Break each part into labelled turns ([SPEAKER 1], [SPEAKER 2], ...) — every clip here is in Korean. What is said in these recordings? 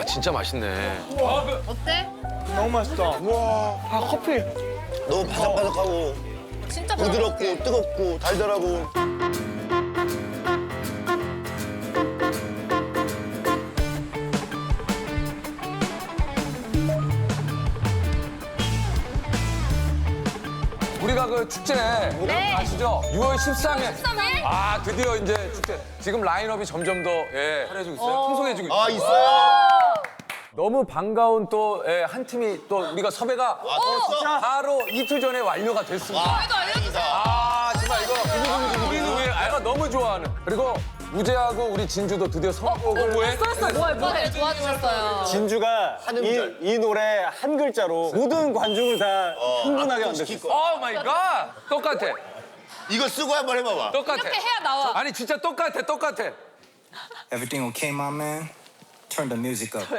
[SPEAKER 1] 와 진짜 맛있네.
[SPEAKER 2] 어때?
[SPEAKER 3] 너무 맛있다. 와, 커피.
[SPEAKER 4] 너무 바삭바삭하고
[SPEAKER 2] 진짜
[SPEAKER 4] 부드럽고 뜨겁고 달달하고.
[SPEAKER 1] 우리가 그 축제 아시죠? 6월 13일.
[SPEAKER 2] 13일?
[SPEAKER 1] 아 드디어 이제 축제. 지금 라인업이 점점 더 화려해지고 있어요. 풍성해지고 있어요.
[SPEAKER 4] 아 있어요?
[SPEAKER 1] 너무 반가운 또 한 팀이 또 우리가 섭외가
[SPEAKER 4] 벌써?
[SPEAKER 1] 바로 이틀 전에 완료가 됐습니다.
[SPEAKER 2] 저희도 알려주세요.
[SPEAKER 1] 아 정말 이거 우리는 왜 아이가 너무 좋아하는. 그리고 우재하고 우리 진주도 드디어 선곡을
[SPEAKER 2] 뭐해? 뭐해? 도와주셨어요.
[SPEAKER 3] 진주가 이 노래 한 글자로 모든 관중을 다 흥분하게 만들었어.
[SPEAKER 1] 오 마이 갓! 똑같아.
[SPEAKER 4] 이거 쓰고 한번 해봐봐.
[SPEAKER 1] 똑같아.
[SPEAKER 2] 이렇게 해야 나와.
[SPEAKER 1] 아니 진짜 똑같아.
[SPEAKER 5] Everything okay, my man? Turn the music up.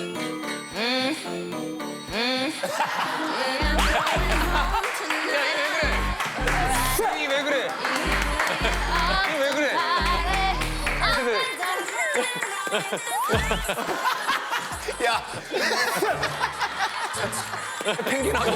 [SPEAKER 1] 이왜 그래? 이왜 그래?
[SPEAKER 4] 야,
[SPEAKER 1] 펭귄하고.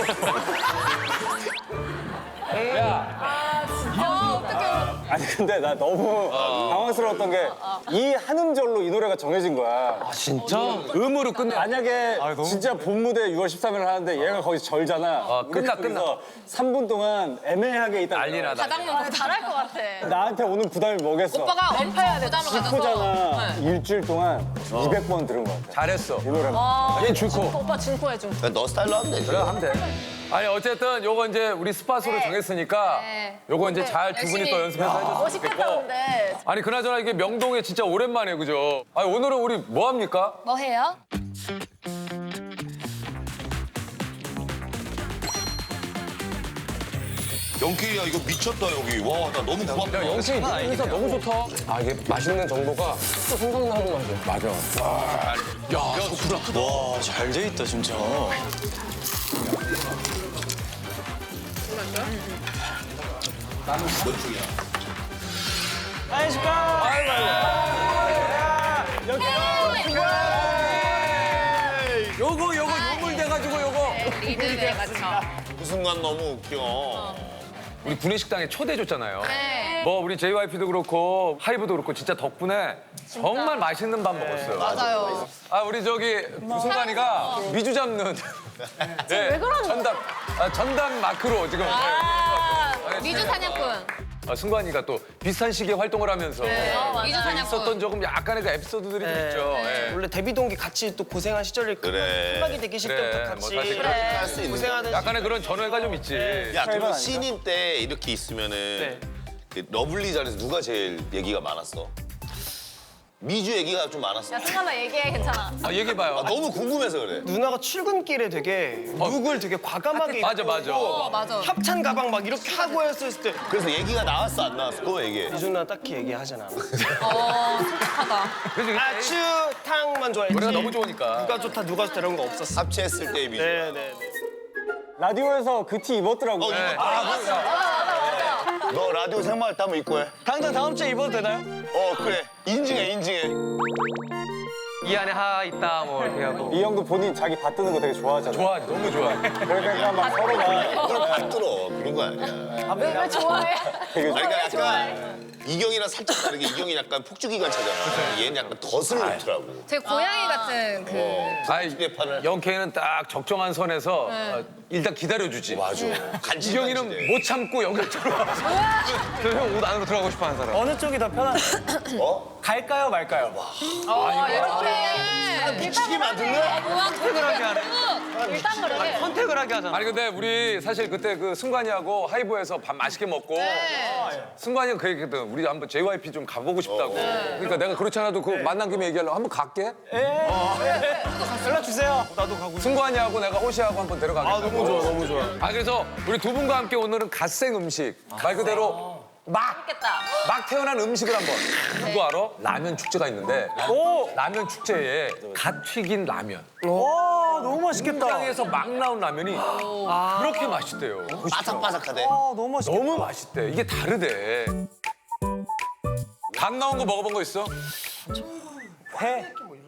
[SPEAKER 1] 야,
[SPEAKER 2] 어떡해.
[SPEAKER 3] 아니 근데 나 너무 당황스러웠던 게 이 한 음절로 이 노래가 정해진 거야.
[SPEAKER 1] 진짜? 음으로 끝내.
[SPEAKER 3] 만약에 진짜 본 무대 6월 13일 하는데 얘가 거기서 절잖아.
[SPEAKER 1] 끝나.
[SPEAKER 3] 3분 동안 애매하게 있다.
[SPEAKER 1] 난리 나다.
[SPEAKER 2] 가장면 잘할 것 같아.
[SPEAKER 3] 나한테 오는 부담이 뭐겠어?
[SPEAKER 2] 오빠가 엄파야 돼. 부담을 가져서.
[SPEAKER 3] 슬프잖아. 일주일 동안 200번 들은 것 같아.
[SPEAKER 1] 잘했어.
[SPEAKER 3] 이 노래가.
[SPEAKER 1] 얘 줄코.
[SPEAKER 2] 오빠 진코해 좀.
[SPEAKER 4] 너 스타일로 하면 되지.
[SPEAKER 1] 그래 하면 돼. 아니 어쨌든 요거 이제 우리 스팟으로 정했으니까
[SPEAKER 2] 네.
[SPEAKER 1] 요거 이제 잘 두 분이 또 연습해서 해줬으면 좋겠고.
[SPEAKER 2] 근데.
[SPEAKER 1] 아니 그나저나 이게 명동에 진짜 오랜만에 그죠? 아니 오늘은 우리 뭐 합니까?
[SPEAKER 2] 뭐 해요?
[SPEAKER 4] 영케이야 이거 미쳤다 여기. 와, 나 너무 고맙다.
[SPEAKER 1] 야 영식이 인사 너무 좋다. 아 이게 맛있는 정보가 또 생각나는 맛이야. 맞아. 야 소쿠라.
[SPEAKER 5] 와, 잘 돼 있다, 진짜.
[SPEAKER 4] 몇 중이야?
[SPEAKER 1] 요거 유물 돼가지고 요거.
[SPEAKER 2] 리듬에 맞춰.
[SPEAKER 4] 그 순간 너무 웃겨.
[SPEAKER 1] 우리 구내식당에 초대해줬잖아요.
[SPEAKER 2] 네.
[SPEAKER 1] 뭐 우리 JYP도 그렇고 하이브도 그렇고 진짜 덕분에 정말 맛있는 밥 먹었어요.
[SPEAKER 2] 맞아요.
[SPEAKER 1] 아 우리 저기 승관이가 미주 잡는 네,
[SPEAKER 2] 왜 그러는
[SPEAKER 1] 전담 마크로 지금
[SPEAKER 2] 미주 사냥꾼.
[SPEAKER 1] 승관이가 또 비슷한 시기에 활동을 하면서
[SPEAKER 2] 미주 사냥꾼.
[SPEAKER 1] 있었던 조금 약간의 그 에피소드들이 좀 있죠. 예.
[SPEAKER 6] 원래 데뷔 동기 같이 또 고생한 시절이
[SPEAKER 4] 그래.
[SPEAKER 6] 음악이 대기실
[SPEAKER 1] 그래,
[SPEAKER 6] 때부터
[SPEAKER 1] 뭐
[SPEAKER 6] 같이
[SPEAKER 1] 사실
[SPEAKER 4] 할 수 있는.
[SPEAKER 6] 고생하던
[SPEAKER 1] 약간의 그런 전회가 좀 있지.
[SPEAKER 4] 야, 그러면
[SPEAKER 3] 아닌가?
[SPEAKER 4] 신인 때 이렇게 있으면은 그 러블리 자리에서 누가 제일 얘기가 많았어? 미주 얘기가 좀 많았어.
[SPEAKER 2] 승관아 얘기해 괜찮아.
[SPEAKER 1] 아, 얘기해봐요.
[SPEAKER 4] 아, 너무 궁금해서 그래.
[SPEAKER 6] 누나가 출근길에 되게 룩을 되게 과감하게
[SPEAKER 1] 맞아,
[SPEAKER 6] 입고
[SPEAKER 1] 맞아.
[SPEAKER 2] 맞아.
[SPEAKER 6] 합찬 가방 막 이렇게 하고 했을 때
[SPEAKER 4] 그래서 얘기가 나왔어 안 나왔어? 그거 얘기해.
[SPEAKER 6] 미주 누나 딱히 얘기하진 않아.
[SPEAKER 2] 솔직하다.
[SPEAKER 1] 그래서
[SPEAKER 6] 아추탕만 좋아했지.
[SPEAKER 1] 노래가 너무 좋으니까.
[SPEAKER 6] 누가 좋다 누가 좋다 이런 거 없었어.
[SPEAKER 4] 합체했을 때의 미주.
[SPEAKER 6] 네네.
[SPEAKER 3] 라디오에서 그 티 입었더라고.
[SPEAKER 1] 네.
[SPEAKER 4] 너 라디오 생활할 때 한번 입고 해.
[SPEAKER 6] 당장 다음 주에 입어도 되나요?
[SPEAKER 4] 그래. 인증해.
[SPEAKER 6] 이 안에 하 있다 뭐 이렇게 하고.
[SPEAKER 3] 이 형도 본인 자기 받드는 거 되게 좋아하잖아.
[SPEAKER 1] 좋아하지, 너무 좋아해.
[SPEAKER 3] 그러니까 막 서로가
[SPEAKER 4] 그걸 받들어. 그런 거 아니야.
[SPEAKER 2] 왜 좋아해?
[SPEAKER 3] 되게
[SPEAKER 4] 아니, 그러니까 약간 이경이랑 살짝 다르게 이경이 약간 폭주기관차잖아. 얘는 약간 덫을 놓더라고.
[SPEAKER 2] 제 고양이 같은 그.
[SPEAKER 1] 아이,
[SPEAKER 4] 휴대판을.
[SPEAKER 1] 영케이는 딱 적정한 선에서 일단 기다려주지.
[SPEAKER 4] 맞아.
[SPEAKER 1] 이경이는 못 참고 여기 들어와. 저형옷 안으로 들어가고 싶어 하는 사람.
[SPEAKER 6] 어느 쪽이 더 편하나요?
[SPEAKER 3] 갈까요 말까요?
[SPEAKER 2] 왜 저래?
[SPEAKER 4] 미치게 만들래?
[SPEAKER 6] 선택을 하게 하네.
[SPEAKER 2] 일단 그래.
[SPEAKER 6] 선택을 하게 하잖아.
[SPEAKER 1] 아니 근데 우리 사실 그때 그 승관이하고 하이브에서 밥 맛있게 먹고 승관이가 그 얘기했거든. 우리 한번 JYP 좀 가보고 싶다고. 그러니까 내가 그렇지 않아도 그 만난 김에 얘기하려고 한번 갈게.
[SPEAKER 6] 연락 주세요. 나도 가고 싶어.
[SPEAKER 1] 승관이하고 내가 호시하고 한번 데려가겠다.
[SPEAKER 6] 너무 좋아 너무 좋아.
[SPEAKER 1] 아 그래서 우리 두 분과 함께 오늘은 갓생 음식 말 그대로 막 태어난 음식을 한번 누구 알아? 라면 축제가 있는데 라면 축제에 갓 튀긴 라면
[SPEAKER 6] 와 너무 맛있겠다.
[SPEAKER 1] 땅에서 막 나온 라면이 그렇게 맛있대요.
[SPEAKER 4] 바삭바삭하대.
[SPEAKER 6] 너무 맛있겠다.
[SPEAKER 1] 너무 맛있대. 이게 다르대. 갓 나온 거 먹어본 거 있어?
[SPEAKER 3] 회.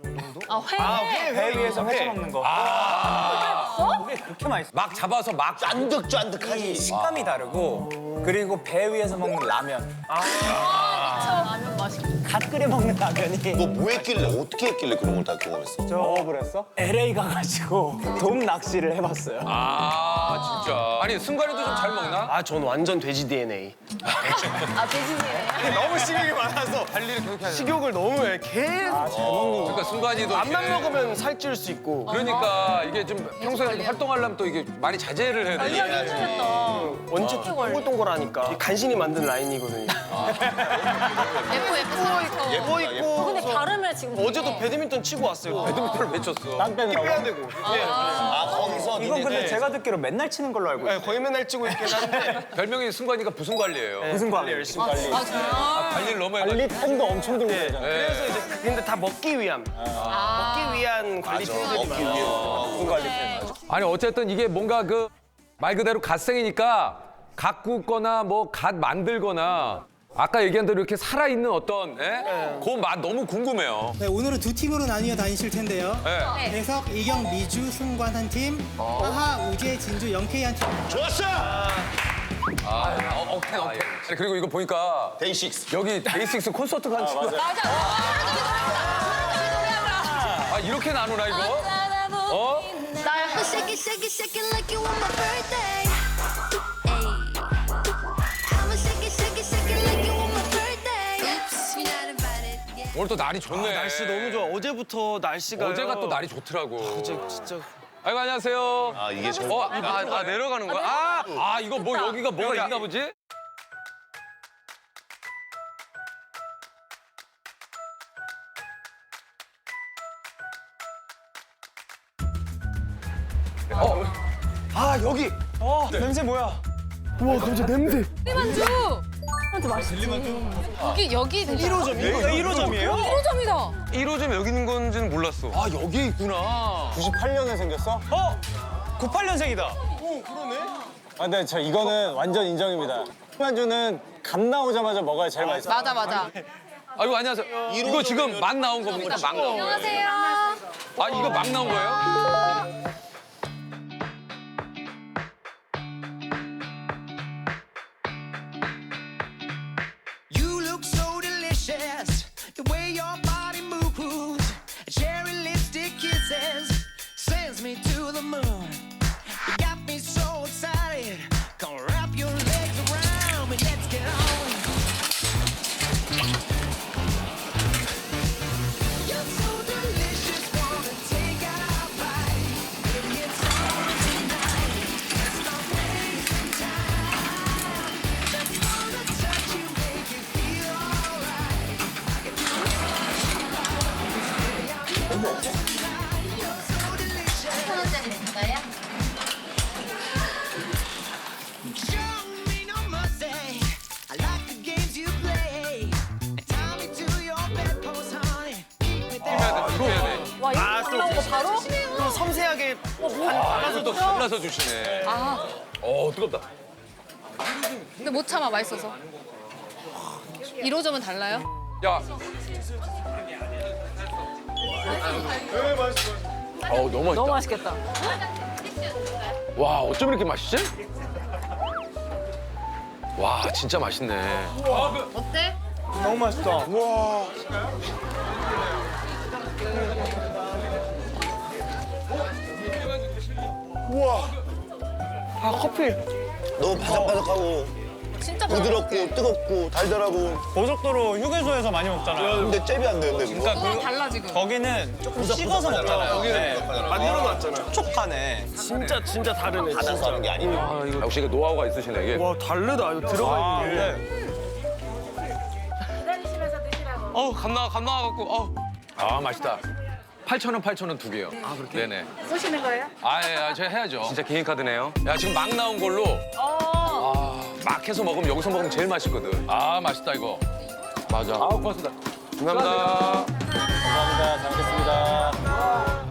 [SPEAKER 3] 배 위에서 회쳐 먹는 거. 그게 그렇게 맛있어.
[SPEAKER 1] 막 잡아서 막
[SPEAKER 4] 쫀득쫀득하지.
[SPEAKER 3] 식감이 다르고 그리고 배 위에서 먹는 라면.
[SPEAKER 2] 라면 맛있겠다.
[SPEAKER 3] 갓 끓여 먹는 라면이.
[SPEAKER 4] 너 뭐 했길래 어떻게 했길래 그런 걸 다 경험했어?
[SPEAKER 3] 경험을 했어? LA 가가지고 돔 낚시를 해봤어요.
[SPEAKER 1] 아 진짜. 아니 승관이도 좀 잘 먹나?
[SPEAKER 6] 아, 전 완전 돼지 DNA.
[SPEAKER 2] 아, 돼지네.
[SPEAKER 6] 너무 식욕이 많아서
[SPEAKER 1] 관리를 그렇게 하냐.
[SPEAKER 6] 식욕을 너무 해. 계속
[SPEAKER 1] 그러니까 승관이도
[SPEAKER 6] 밥만
[SPEAKER 1] 이렇게-
[SPEAKER 6] 먹으면 살찔 수 있고.
[SPEAKER 1] 그러니까 이게 좀 평소에 활동하려면 또 이게 많이 자제를 해야 돼.
[SPEAKER 6] 원체 동글동글하니까 간신히 만든 라인이거든요.
[SPEAKER 2] 예뻐.
[SPEAKER 6] 예뻐 있고.
[SPEAKER 2] 근데 다르면 지금.
[SPEAKER 6] 어제도 배드민턴 치고 왔어요.
[SPEAKER 1] 배드민턴을 왜 쳤어?
[SPEAKER 3] 땀 빼느라고.
[SPEAKER 6] 빼야 되고.
[SPEAKER 4] 아 거기서
[SPEAKER 3] 이건 근데
[SPEAKER 6] 네.
[SPEAKER 3] 제가 듣기로 맨날 치는 걸로 알고 있어요.
[SPEAKER 6] 네, 거의 맨날 치고 있긴 한데
[SPEAKER 1] 별명이 승관이가 부승 관리예요.
[SPEAKER 3] 무슨 관리?
[SPEAKER 6] 열심히 관리.
[SPEAKER 1] 관리를 너무 해가지고.
[SPEAKER 3] 관리 템도 엄청 들고 다잖아요.
[SPEAKER 6] 그래서 이제 근데 다 먹기 위한 먹기 위한 관리 템들이
[SPEAKER 4] 먹기
[SPEAKER 6] 많아.
[SPEAKER 4] 위해.
[SPEAKER 3] 무슨 관리 템?
[SPEAKER 1] 아니 어쨌든 이게 뭔가 그 말 그대로 갓생이니까 갓 굽거나 뭐 갓 만들거나 아까 얘기한 대로 이렇게 살아있는 어떤 그 맛 너무 궁금해요.
[SPEAKER 7] 네, 오늘은 두 팀으로 나뉘어 다니실 텐데요.
[SPEAKER 1] 네.
[SPEAKER 7] 배석, 이경, 미주, 승관 한 팀, 하하, 우재, 진주, 영케이 한 팀.
[SPEAKER 4] 좋았어.
[SPEAKER 1] 오케이. 아니, 그리고 이거 보니까
[SPEAKER 4] 데이식스.
[SPEAKER 1] 여기 데이식스 콘서트 간 친구. 아 이렇게 나누나 이거? 어?
[SPEAKER 2] 나
[SPEAKER 8] Shake it, shake it, shake it like you want my birthday. Ayy. I'ma shake it, shake it, shake it like you want my birthday. Oops, you're not invited. Yeah.
[SPEAKER 1] 오늘 또 날이 좋네.
[SPEAKER 6] 날씨 너무 좋아. 어제부터 날씨가
[SPEAKER 1] 어제가 또 날이 좋더라고.
[SPEAKER 6] 진짜.
[SPEAKER 1] 아이고 안녕하세요.
[SPEAKER 4] 아 이게 정.
[SPEAKER 6] 내려가는 거야?
[SPEAKER 1] 아 이거 뭐 여기가 뭐가 있나 보지?
[SPEAKER 6] 아 여기.
[SPEAKER 3] 냄새 뭐야?
[SPEAKER 6] 우와 갑자기 냄새.
[SPEAKER 2] 만주. 만주 맛있지. 여기
[SPEAKER 6] 1호점이에요?
[SPEAKER 3] 1호점이에요?
[SPEAKER 2] 1호점이다.
[SPEAKER 6] 1호점 여기 있는 건지는 몰랐어.
[SPEAKER 1] 아 여기 있구나.
[SPEAKER 3] 98년에 생겼어? 98년생이다.
[SPEAKER 6] 오 그러네.
[SPEAKER 3] 아, 근데 저 이거는 완전 인정입니다. 만주는 갓 나오자마자 먹어야 제일 맛있어.
[SPEAKER 2] 맞아.
[SPEAKER 1] 아이고 안녕하세요. 이거 지금 막 나온 겁니까? 막 나온 거예요?
[SPEAKER 2] 안녕하세요.
[SPEAKER 1] 아 이거 막 나온 거예요?
[SPEAKER 9] You look so delicious, the way your body moves. Cherry lipstick kisses sends me to the moon. You got me so excited. Come wrap your legs around me, let's get on. You're so delicious, wanna take a bite. Baby, it's on tonight. Let's not waste some time. Let's wanna touch you, make you feel alright. I can do it. You're so delicious. Show me no mercy. I like the games you play. Tie me to your bedpost, honey. Keep me there.
[SPEAKER 2] 와 이거 올라온 거 바로?
[SPEAKER 6] 또 섬세하게
[SPEAKER 1] 이거 또 잘라서 주시네. 뜨겁다.
[SPEAKER 2] 근데 못 참아 맛있어서. 1호점은 달라요?
[SPEAKER 1] 야. 너무 맛있다.
[SPEAKER 2] 너무 맛있겠다.
[SPEAKER 1] 와 어쩜 이렇게 맛있지? 와 진짜 맛있네.
[SPEAKER 2] 어때?
[SPEAKER 3] 너무 맛있다. 와.
[SPEAKER 6] 아 커피.
[SPEAKER 4] 너무 바삭바삭하고
[SPEAKER 2] 진짜
[SPEAKER 4] 부드럽고 뜨겁고 달달하고.
[SPEAKER 3] 고속도로 휴게소에서 많이 먹잖아요.
[SPEAKER 4] 근데 잽이 안 되는데 그거.
[SPEAKER 2] 그거 달라 지금.
[SPEAKER 3] 거기는 조금 식어서 먹잖아요. 네.
[SPEAKER 6] 만들어 놨잖아요.
[SPEAKER 3] 촉촉하네.
[SPEAKER 6] 진짜 다르네.
[SPEAKER 4] 받아서 하는 게 아니고.
[SPEAKER 1] 역시 이게 노하우가 있으시네 이게.
[SPEAKER 6] 와 다르다. 이거 들어가 있는 게.
[SPEAKER 3] 네.
[SPEAKER 6] 감 나와갖고.
[SPEAKER 1] 아 맛있다. 8,000원 두 개요. 아 그렇게? 네네.
[SPEAKER 2] 쏘시는 거예요?
[SPEAKER 1] 제가 해야죠.
[SPEAKER 6] 진짜 개인 카드네요.
[SPEAKER 1] 야 지금 막 나온 걸로 막 해서 먹으면 여기서 먹으면 제일 맛있거든. 아 맛있다 이거. 맞아. 고맙습니다.
[SPEAKER 6] 감사합니다.
[SPEAKER 3] 감사합니다. 잘 먹겠습니다.